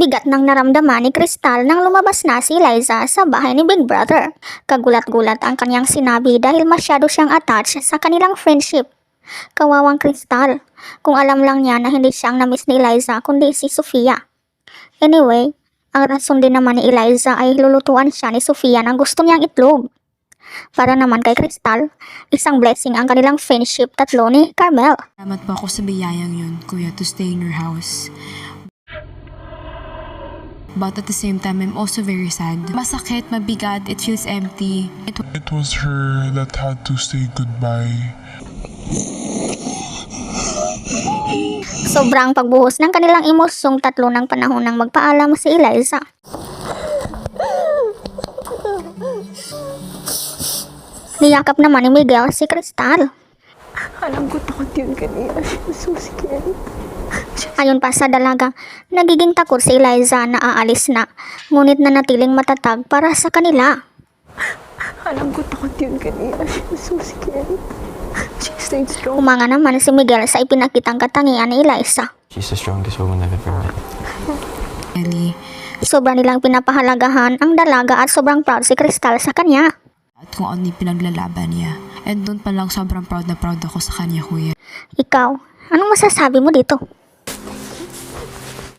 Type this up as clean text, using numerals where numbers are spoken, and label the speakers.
Speaker 1: bigat ng naramdaman ni Crystal nang lumabas na si Liza sa bahay ni Big Brother. Kagulat-gulat ang kanyang sinabi dahil masyado siyang attached sa kanilang friendship. Kawawang Crystal, kung alam lang niya na hindi siyang na-miss ni Liza kundi si Sofia. Anyway, ang rason din naman ni Eliza ay lulutuan siya ni Sofia ng gusto niyang itlog. Para naman kay Crystal, isang blessing ang kanilang friendship tatlo ni Carmel.
Speaker 2: Salamat po ako sa biyayang yun, kuya, to stay in your house. But at the same time, I'm also very sad. Masakit, mabigat, it feels empty.
Speaker 3: It was her that had to say goodbye.
Speaker 1: Sobrang pagbuhos ng kanilang emosyong tatlo ng panahon nang magpaalam si Eliza. Niyakap naman ni Miguel si Crystal.
Speaker 4: Alam ko takot yun kanina. So scary.
Speaker 1: Ayon pa sa dalaga, nagiging takot si Eliza na aalis na, ngunit nanatiling matatag para sa kanila.
Speaker 4: Alam ko takot yun kanina. So scary. She stayed strong.
Speaker 1: Umanga naman si Miguel sa ipinakitang katangian ni Eliza.
Speaker 5: She's the strongest woman I've ever met.
Speaker 2: Ellie.
Speaker 1: Sobra nilang pinapahalagahan ang dalaga at sobrang proud si Crystal sa kanya.
Speaker 2: At kung ano yung pinaglalaban niya. And doon pa lang sobrang proud na proud ako sa kanya, kuya.
Speaker 1: Ikaw, anong masasabi mo dito?